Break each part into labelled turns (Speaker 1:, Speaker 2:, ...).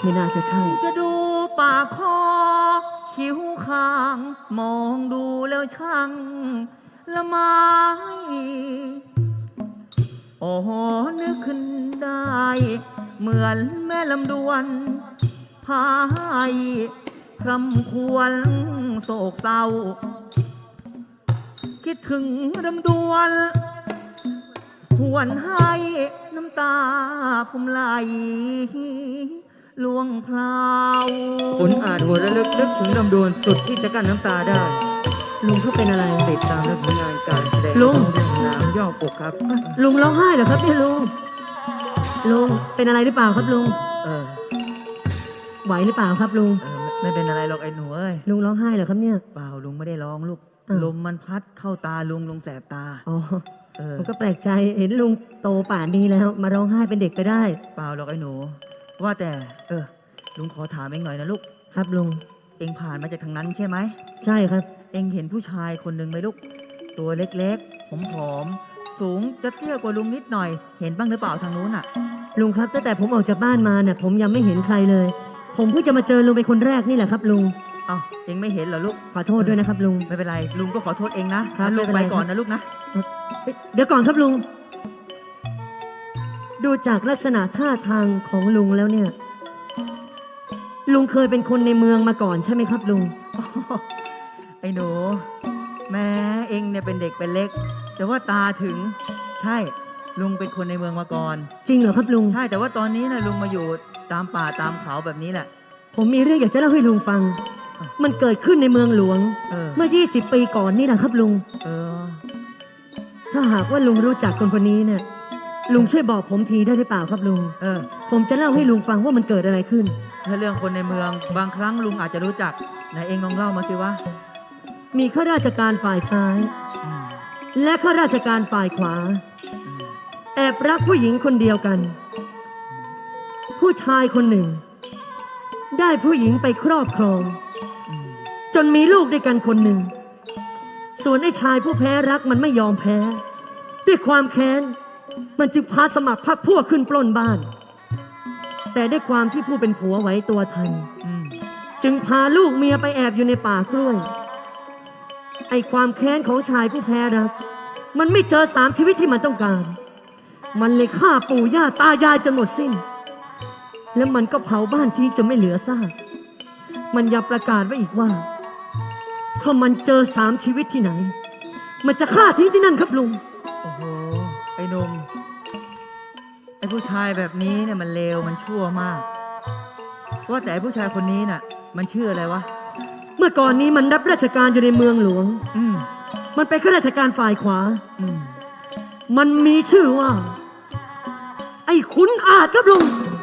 Speaker 1: ไม่น่าจะใช่
Speaker 2: จะดูปากคอคิ้วข้าง มองดูแล้วช่างละไม้โอ้โหนึกขึ้นได้ เหมือนแม่ลำดวนพายคำควรโศกเศร้า คิดถึงลำดวนหวนให้น้ำตาผมไหลล่วงพลาว
Speaker 3: คุณอาจหัวระลึกนึกถึงลำดวนสุดที่จะกั้นน้ำตาได้
Speaker 1: ลุงเขาเป็นอะไร
Speaker 3: ติดตามและผลงานการแสดง
Speaker 1: ลุง
Speaker 3: ของเรื่องน้ำย่อปกครับ
Speaker 1: ลุงร้องไห้เหรอครับเนี่ยลุงเป็นอะไรหรือเปล่าครับลุง
Speaker 2: เออ
Speaker 1: ไหวหรือเปล่าครับลุง
Speaker 2: ไม่เป็นอะไรหรอกไอ้หนูเอ้ย
Speaker 1: ลุงร้องไห้เหรอครับเนี่ย
Speaker 2: เปล่าลุงไม่ได้ร้องลูก
Speaker 1: อ้าว
Speaker 2: ลมมันพัดเข้าตาลุงแสบตา
Speaker 1: อ๋อ
Speaker 2: เออ
Speaker 1: ผมก็แปลกใจเห็นลุงโตป่านนี้แล้ว มาร้องไห้เป็นเด็กไปได้
Speaker 2: เปล่าหรอกไอ้หนู ว่าแต่ ลุงขอถามเองหน่อยนะลูก
Speaker 1: ครับลุง
Speaker 2: เองผ่านมาจากทางนั้นใช่ไหม
Speaker 1: ใช่ครับ
Speaker 2: เองเห็นผู้ชายคนหนึ่งไหมลูก ตัวเล็กๆผอมๆสูงจะเตี้ยกว่าลุงนิดหน่อย เห็นบ้างหรือเปล่าทางนู้นอ่ะ
Speaker 1: ลุงครับตั้งแต่ผมออกจากบ้านมาเนี่ยผมยังไม่เห็นใครเลย ผมเพิ่งจะมาเจอลุงเป็นคนแรกนี่แหละครับลุง
Speaker 2: เอ้าเองไม่เห็นเหรอลูก
Speaker 1: ขอโทษด้วยนะครับลุง
Speaker 2: ไม่เป็นไรลุงก็ขอโทษเองนะครับ ลูก
Speaker 1: ไม่เป็น
Speaker 2: ไป
Speaker 1: ไร
Speaker 2: ก่อนนะลูกนะ
Speaker 1: เดี๋ยวก่อนครับลุง ดูจากลักษณะท่าทางของลุงแล้วเนี่ย ลุงเคยเป็นคนในเมืองมาก่อนใช่ไหมครับลุง
Speaker 2: ไอ้หนู แม้เองเนี่ยเป็นเด็กเป็นเล็ก แต่ว่าตาถึง ใช่ลุงเป็นคนในเมืองมาก่อน
Speaker 1: จริงเหรอครับลุง
Speaker 2: ใช่แต่ว่าตอนนี้นะลุงมาอยู่ตามป่าตามเขาแบบนี้แหละ
Speaker 1: ผมมีเรื่องอยากจะเล่าให้ลุงฟัง มันเกิดขึ้นในเมืองหลวง
Speaker 2: เออ
Speaker 1: เมื่อ 20 ปีก่อนนี่แหละครับลุง
Speaker 2: เออ
Speaker 1: ถ้าหากว่าลุงรู้จักคนคนนี้เนี่ย ลุงช่วยบอกผมทีได้หรือเปล่าครับลุง
Speaker 2: เออ
Speaker 1: ผมจะเล่าให้ลุงฟังว่ามันเกิดอะไรขึ้น
Speaker 2: ถ้าเรื่องคนในเมืองบางครั้งลุงอาจจะรู้จักไหนเองลองเล่ามาสิวะ
Speaker 1: มีข้าราชการฝ่ายซ้าย
Speaker 2: อืม
Speaker 1: และข้าราชการฝ่ายขวา
Speaker 2: อืม
Speaker 1: แอบรักผู้หญิงคนเดียวกัน ผู้ชายคนหนึ่ง ได้ผู้หญิงไปครอบครอง
Speaker 2: อืม
Speaker 1: จนมีลูกด้วยกันคนหนึ่ง ส่วนไอ้ชายผู้แพ้รักมันไม่ยอมแพ้ ด้วยความแค้น มันจึงพาสมัครพรรคพวกขึ้นปล้นบ้าน แต่ด้วยความที่ผู้เป็นผัวไหวตัวทัน
Speaker 2: อืม
Speaker 1: จึงพาลูกเมียไปแอบอยู่ในป่ากล้วย ไอ้ความแค้นของชายผู้แพ้รัก มันไม่เจอ3 ชีวิตที่มันต้องการ มันเลยฆ่าปู่ย่าตายายจนหมดสิ้น แล้วมันก็เผาบ้านทิ้งจนไม่เหลือซาก มันยังประกาศไว้อีกว่า ถ้ามันเจอ3 ชีวิตที่ไหน มันจะฆ่าทิ้งที่นั่นครับลุง
Speaker 2: โอ้โห ไอ้หนุ่มไอ้ผู้ชายแบบนี้เนี่ยมันเลวมันชั่วมาก ว่าแต่ไอ้ผู้ชายคนนี้น่ะ มันชื่ออะไรวะ
Speaker 1: เมื่อก่อนนี้มันรับราชการอยู่ในเมืองหลวง
Speaker 2: อืม
Speaker 1: มันเป็นข้าราชการฝ่ายขวา
Speaker 2: อืม
Speaker 1: มันมีชื่อว่า ไอ้ขุนอาจครับลุง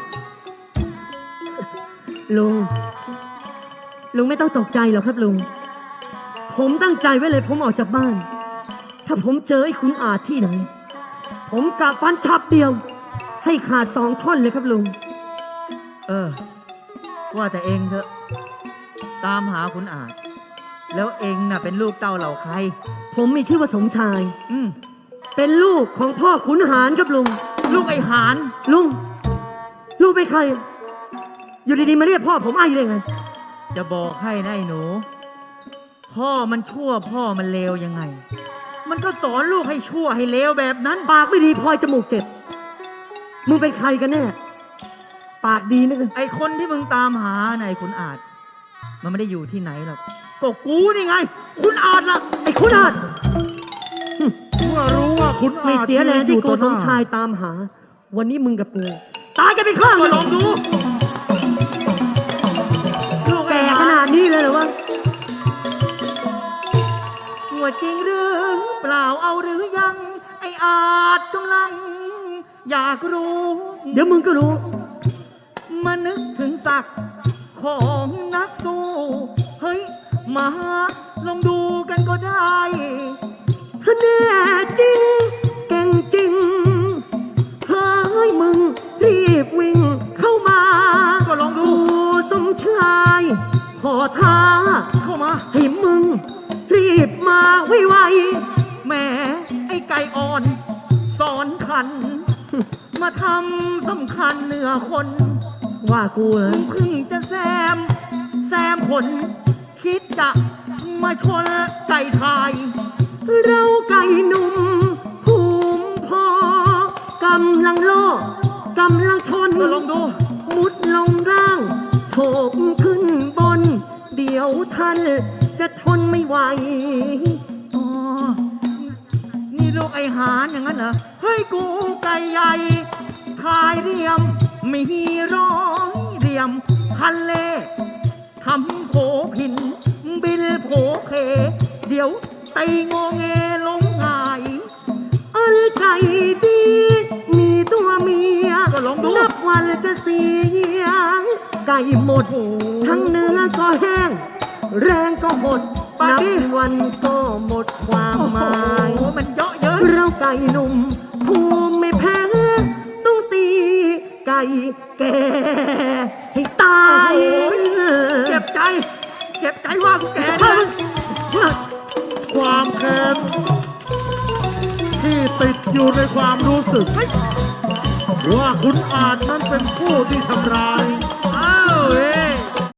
Speaker 1: ลุงไม่ต้องตกใจหรอกครับลุง ผมตั้งใจไว้เลยผมออกจากบ้าน ถ้าผมเจอไอ้ขุนอาจที่ไหน ผมกะฟันฉับเดียว ให้ขาด2 ท่อนเลยครับลุง
Speaker 2: เออ ว่าแต่เองเถอะ ตามหาคุณอาจ แล้วเองน่ะเป็นลูกเต้าเหล่าใคร
Speaker 1: ผมมีชื่อว่าสมชาย
Speaker 2: อืม
Speaker 1: เป็นลูกของพ่อขุนหารครับลุง
Speaker 2: ลูกไอ้หาน
Speaker 1: ลุงเป็นใคร อยู่ดีๆมาเรียกพ่อผมไอ้ได้ไง
Speaker 2: จะบอกให้นะไอ้หนู พ่อมันชั่วพ่อมันเลวยังไง มันก็สอนลูกให้ชั่วให้เลวแบบนั้น
Speaker 1: ปากไม่ดีพลอยจมูกเจ็บ มึงเป็นใครกันแน่ ปากดีนักเลย
Speaker 2: ไอ้คนที่มึงตามหาน่ะไอ้คุณอาจ มันไม่ได้อยู่ที่ไหนหรอก ก็กูนี่ไง คุณอาจล่ะ
Speaker 1: ไอ้คุณอาจ
Speaker 4: เมื่อรู้ว่าคุณอาจ
Speaker 1: ไม่เสียแรงที่โกสมชายตามหา วันนี้มึงกับกูตายกันไปข้าง
Speaker 2: ก็
Speaker 1: เลย
Speaker 2: ลองดู ลูก
Speaker 1: แก่
Speaker 2: ไอ้ห
Speaker 1: ขนาดนี้เลยเหรอวะ
Speaker 2: หัวจริงหรือเปล่าเอาหรือยัง ไอ้อาจกำลัง อยากรู้
Speaker 1: เดี๋ยวมึงก็รู้
Speaker 2: มานึกถึงศักดิ์ของนักสู้ เฮ้ย มาลองดูกันก็ได้
Speaker 1: ถ้าแน่จริง เก่งจริง เฮ้ยมึงรีบวิ่งเข้ามา
Speaker 2: ก็ลองดู
Speaker 1: กูสมชายขอท้า
Speaker 2: เข้ามา
Speaker 1: ให้มึง รีบมาไว
Speaker 2: แหมไอ้ไก่อ่อน สอนขัน มาทำสำคัญเหนือคน
Speaker 1: ว่ากูเหรอ
Speaker 2: เพิ่งจะแซมขนคิดจะมาชนไก่ไทย
Speaker 1: เราไก่หนุ่มภูมิพอกำลังโลกกำลังชน
Speaker 2: ก็ลองดู
Speaker 1: มุดลงร่างโฉบขึ้นบน เดี๋ยวท่านจะทนไม่ไหว
Speaker 2: อ๋อ นี่ลูกไอหานอย่างนั้นเหรอ เฮ้ยกูไก่ใหญ่ทายเรียม มีร้อยเรียม คันเล่ทำโผผิน บิลโผเพ เดี๋ยวตีงอแงลงหาย
Speaker 1: อันไก่ดี มีตัวเมีย
Speaker 2: ก็ลองดู
Speaker 1: นับวันจะเสียง ไก่หมด ทั้งเนื้อก็แห้ง แรงก็หด
Speaker 2: ปา
Speaker 1: นับ
Speaker 2: ดิ
Speaker 1: วันก็หมดความหมาย
Speaker 2: โอ้โหมันเยอะเยอะ
Speaker 1: เราไก่หนุ่มภูมิไม่แพ้ต้องตีไก่แก่ให้ตาย
Speaker 2: โอ้ย เจ็บใจ เจ็บใจว่ากูแก่นะ
Speaker 4: ความแค้นที่ติดอยู่ในความรู้สึก ว่าคุณอาจนั้นเป็นผู้ที่ทำร้าย
Speaker 2: อ้าวเว้ย